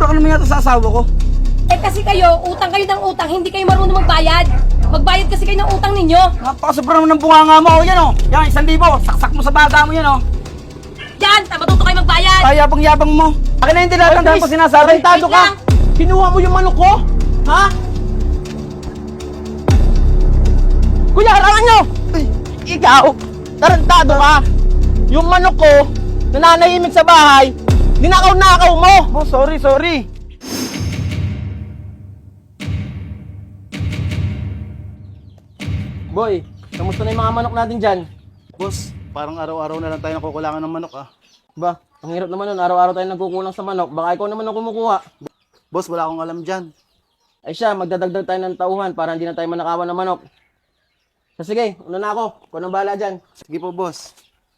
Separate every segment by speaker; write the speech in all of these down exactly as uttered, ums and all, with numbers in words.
Speaker 1: ka naman yata sa asawa ko.
Speaker 2: Eh kasi kayo, utang kayo ng utang, hindi kayo marunong magbayad. Magbayad kasi kayo ng utang ninyo.
Speaker 1: Napakasobra naman ng bunganga mo. Yan o. Yan, isang libo. Saksak mo sa baga mo yan o.
Speaker 2: Yan, matuto kayo magbayad.
Speaker 1: Ay, yabang-yabang mo. Akin na yung tinatandaan ko sinasabi.
Speaker 3: Tarantado
Speaker 2: Wait
Speaker 3: ka!
Speaker 2: lang.
Speaker 3: Kinuha mo yung manok ko? Ha? Kuya, harangan nyo! Ay, ikaw, tarantado ka! Yung manok ko, nananahimik sa bahay, ninakaw-nakaw mo!
Speaker 1: Oh, sorry, sorry.
Speaker 3: Boy, kamusta na yung mga manok natin dyan?
Speaker 4: Boss, parang araw-araw na lang tayo nakukulangan ng manok ah.
Speaker 3: Ba, ang hirap naman nun, araw-araw tayo nagkukulang sa manok, baka ikaw naman ang kumukuha.
Speaker 4: Boss, wala akong alam dyan.
Speaker 3: Ay siya, magdadagdag tayo ng tauhan para hindi na tayo manakawan ng manok. So sige, una na ako, kung anong bahala dyan.
Speaker 4: Sige po, boss.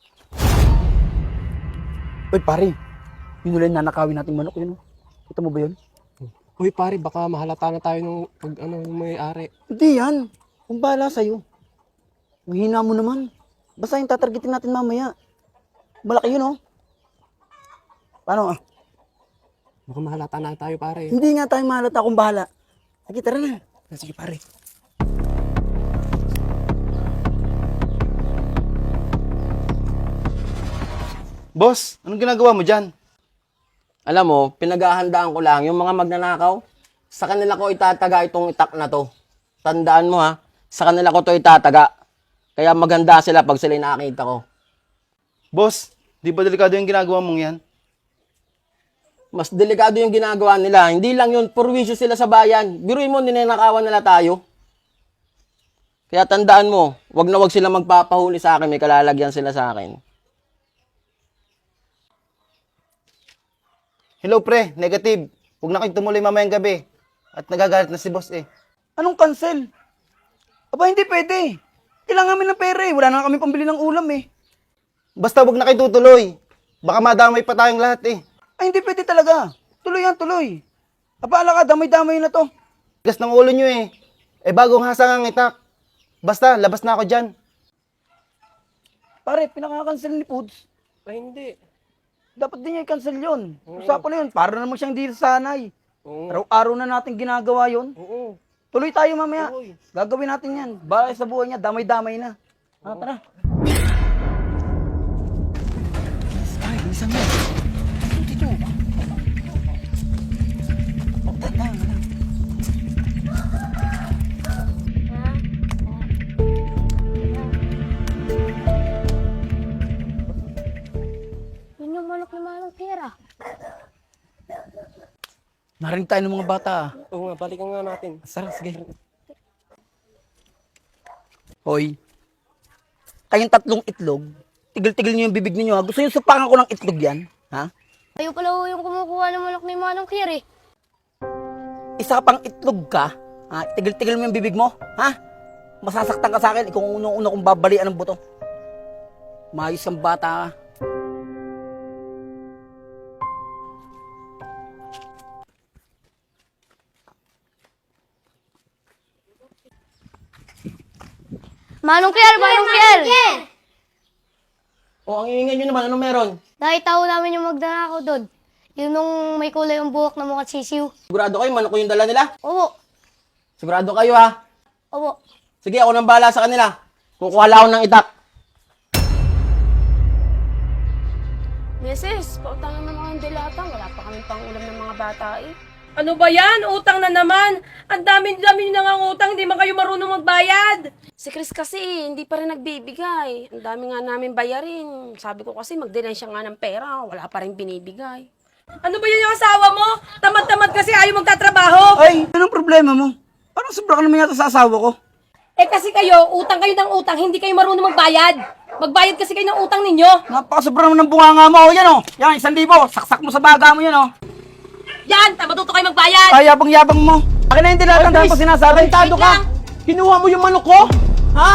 Speaker 1: Uy, pare. Yun ulit nanakawin nating manok yun. Oh. Kita mo ba yun?
Speaker 5: Uy pare, baka mahalata na tayo ng pag ano, ng may-ari.
Speaker 1: Hindi yan. Kung bahala sa'yo. Ang hina mo naman. Basta yung tatargetin natin mamaya. Malaki yun, oh. Paano, ah?
Speaker 5: Baka mahalata na tayo pare.
Speaker 1: Hindi nga tayo mahalata kung bahala. Sige, tara na. Sige, pare.
Speaker 4: Boss, anong ginagawa mo dyan?
Speaker 3: Alam mo, pinaghahandaan ko lang yung mga magnanakaw. Sa kanila ko itataga itong itak na to. Tandaan mo ha, sa kanila ko to itataga. Kaya maganda sila pag sila nakakita ko.
Speaker 4: Boss, di ba delikado yung ginagawa mong yan?
Speaker 3: Mas delikado yung ginagawa nila. Hindi lang yun, purwisyo sila sa bayan. Biruin mo, ninanakawan nila tayo. Kaya tandaan mo, wag na wag sila magpapahuli sa akin, may kalalagyan sila sa akin.
Speaker 4: Hello pre, negative. Huwag na kayo tumuloy mamayang gabi. At nagagalit na si boss eh.
Speaker 1: Anong cancel? Aba, hindi pwede. Kailangan namin ng pera eh. Wala na kami pambili ng ulam eh.
Speaker 4: Basta huwag na kayo tutuloy. Baka madamay pa tayong lahat eh.
Speaker 1: Ay, hindi pwede talaga. Tuloy yan, tuloy. Aba, ala ka, damay-damay na to.
Speaker 4: Gas ng ulo nyo eh. Eh bagong hasang ang itak. Basta, labas na ako dyan.
Speaker 1: Pare, pinaka-cancel ni Foods.
Speaker 5: Ay hindi.
Speaker 1: Dapat din niya i-cancel yun. Usapan na yun. Para naman siyang di sanay.
Speaker 5: Oo.
Speaker 1: Araw-araw na natin ginagawa yun.
Speaker 5: Oo.
Speaker 1: Tuloy tayo mamaya.
Speaker 5: Tuloy.
Speaker 1: Gagawin natin yan. Bala sa buhay niya, damay-damay na. Ah, tara. Ay, bilisan mo. Dito, dito. Oh, tara, tara.
Speaker 2: Yun yung manok na manong pera.
Speaker 1: Narinig tayo ng mga bata. ah.
Speaker 5: Oo nga, balikan nga natin.
Speaker 1: Sarap, sige. Hoy, kayong tatlong itlog, tigil-tigil niyo yung bibig niyo ha. Gusto niyo supakan ko ng itlog yan? Ha?
Speaker 2: Kayo pala ho yung kumukuha ng manok ni manong Kiri.
Speaker 1: Isa ka pang itlog ka, ha? Tigil-tigil mo yung bibig mo, ha? Masasaktan ka sa akin, ikaw ang unang-una kong babalian ng buto. Mayos ang bata ka.
Speaker 2: Manong Kier! Manong Kier!
Speaker 3: O, ang iingay nyo naman, anong meron?
Speaker 2: Nakita ho namin yung magdanakaw doon. Yun nung may kulay yung buhok na mukha sisiw.
Speaker 3: Sigurado kayo, manok ko yung dala nila?
Speaker 2: Opo.
Speaker 3: Sigurado kayo ha?
Speaker 2: Opo.
Speaker 3: Sige, ako nang bahala sa kanila. Kukuha lang ako ng itak.
Speaker 6: Meses, pautang naman ako ng dilata. Wala pa kami pang ulam ng mga bata eh.
Speaker 2: Ano ba yan? Utang na naman. Ang dami-dami nyo nangangutang, hindi man kayo marunong magbayad.
Speaker 6: Si Chris kasi hindi pa rin nagbibigay. Ang dami nga namin bayarin. Sabi ko kasi magdilan siya nga ng pera. Wala pa rin binibigay.
Speaker 2: Ano ba yan yung asawa mo? Tamad-tamad kasi ayaw magtatrabaho.
Speaker 1: Ay, anong problema mo? Parang sobra ka naman yata sa asawa ko.
Speaker 2: Eh kasi kayo, utang kayo ng utang, hindi kayo marunong magbayad. Magbayad kasi kayo ng utang ninyo.
Speaker 1: Napakasobra naman ng bunganga mo. Yan o. Yan, isang libo. Saksak mo sa baga mo yan o.
Speaker 2: Yan, matuto kayo magbayad.
Speaker 1: Ay, yabang-yabang mo. Akin na yung tinatandaan ko sinasabi.
Speaker 3: Tarantado
Speaker 2: Wait
Speaker 3: ka!
Speaker 2: lang.
Speaker 3: Kinuha mo yung manok ko? Ha?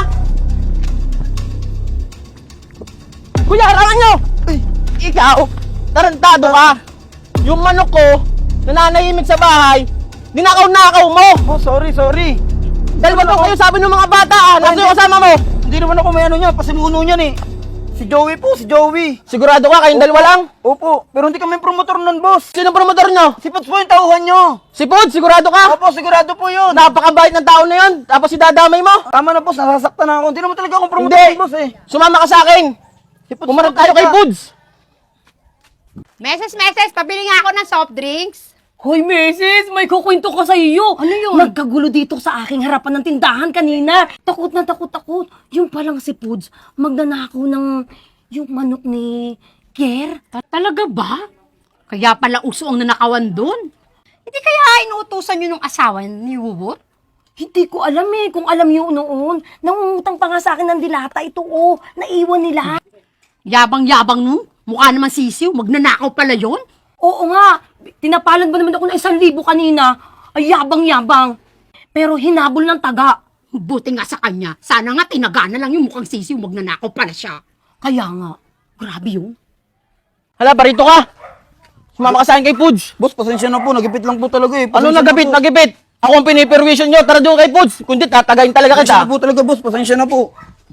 Speaker 3: Kuya, harangan nyo! Ay, ikaw, tarantado ka! Yung manok ko, nananahimik sa bahay, ninakaw-nakaw mo!
Speaker 1: Oh, sorry, sorry.
Speaker 3: Dalawa to kayo sabi ng mga bata, ah! Nasa yung kasama mo?
Speaker 1: Hindi naman ako may ano niya, pasimuno niyan eh.
Speaker 4: Si Joey po, si Joey.
Speaker 3: Sigurado ka, kayong dalawa lang?
Speaker 4: Opo, pero hindi kami promotor nun, boss.
Speaker 3: Sino promotor nyo?
Speaker 4: Si Pods po yung tauhan nyo.
Speaker 3: Si Pod, sigurado ka?
Speaker 4: Opo, sigurado po yun.
Speaker 3: Napakabait ng tao na yun, tapos idadamay mo?
Speaker 4: Tama na, boss. Nasasaktan na ako. Hindi naman talaga akong promotor,
Speaker 3: Hindi.
Speaker 4: boss eh.
Speaker 3: Sumama ka sa akin.
Speaker 4: Si Pods
Speaker 3: Pumarap
Speaker 4: po
Speaker 3: tayo kay
Speaker 4: talaga.
Speaker 3: Pods.
Speaker 7: Meses, meses, pabili nga ako ng soft drinks.
Speaker 2: Hoy, Meses, may kukwento ko sa iyo. Ano yun? Nagkagulo dito sa aking harapan ng tindahan kanina. Takot na takot takot. Yung palang si Puds, magnanakaw ng yung manok ni Ger.
Speaker 7: Ta- Talaga ba? Kaya pala uso ang nanakawan doon. Hindi kaya inuutusan nyo ng asawa ni Wuwot?
Speaker 2: Hindi ko alam eh, kung alam yun noon. Nangungutang pa nga sa akin ng dilata ito, oh. Naiwan nila.
Speaker 7: Yabang-yabang nun. Mukha naman sisiw. Magnanakaw pala yon.
Speaker 2: Oo nga, tinapalan ba naman ako ng isang libo kanina? Ay, yabang-yabang. Pero hinabol ng taga.
Speaker 7: Buti nga sa kanya. Sana nga tinaga na lang yung mukhang sisiw. Magnanakaw pala siya.
Speaker 2: Kaya nga, grabe yun.
Speaker 3: Hala, barito ka. Sumama ka sa akin kay Pods.
Speaker 4: Boss, pasensya na po. Nagipit lang po talaga eh.
Speaker 3: Ano
Speaker 4: Pasensya na
Speaker 3: nagapit,
Speaker 4: po.
Speaker 3: nagipit? Ako ang piniperwisyon nyo, tara doon kay Pods. Kundi tatagayin talaga
Speaker 4: Pasensya
Speaker 3: kita.
Speaker 4: na po talaga, boss. Pasensya na po.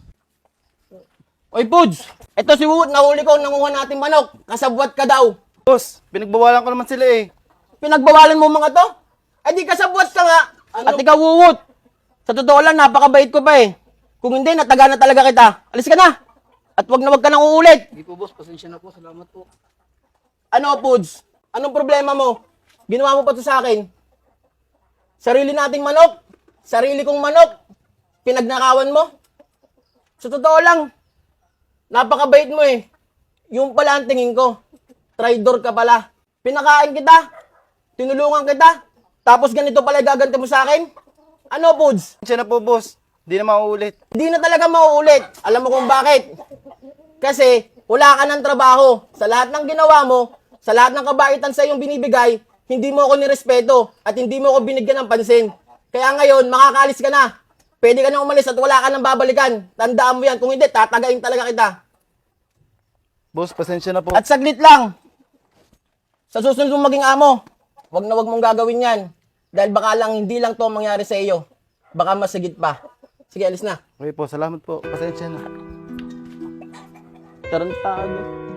Speaker 3: Oy, Pods. Ito si Wood, nahuli ko, nanguha natin manok. Kasabwat ka daw.
Speaker 4: Boss, pinagbawalan ko naman sila eh.
Speaker 3: Pinagbawalan mo mga to? Eh di kasabwat ka nga. At ikaw, Wood. Sa totoo lang, napakabait ko pa eh. Kung hindi, nataga na talaga kita. Alis ka na. At wag na wag ka nang uulit.
Speaker 4: Hindi po, boss. Pasensya na po. Salamat po.
Speaker 3: Ano, Pods? Anong problema mo? Ginawa mo pa to sa akin. Sarili nating manok. Sarili kong manok. Pinagnakawan mo. Sa totoo lang, napakabait mo eh. Yung pala ang tingin ko. Traidor ka pala. Pinakain kita. Tinulungan kita. Tapos ganito pala gaganti mo sa akin? Ano, Pods?
Speaker 4: Pasensya na po, boss. Hindi na mauulit.
Speaker 3: Hindi na talaga mauulit. Alam mo kung bakit? Kasi wala ka ng trabaho. Sa lahat ng ginawa mo, sa lahat ng kabaitan sa iyong binibigay, hindi mo ako nirespeto at hindi mo ako binigyan ng pansin. Kaya ngayon, makakaalis ka na. Pwede ka na umalis at wala ka nang babalikan. Tandaan mo yan. Kung hindi, tatagain talaga kita.
Speaker 4: Boss, pasensya na po.
Speaker 3: At saglit lang. Sa susunod mong maging amo, wag na wag mong gagawin yan. Dahil baka lang hindi lang to ang mangyari sa iyo. Baka masigit pa. Sige, alis na.
Speaker 4: Okay po, salamat po. Pasensya na.
Speaker 3: Tarantado.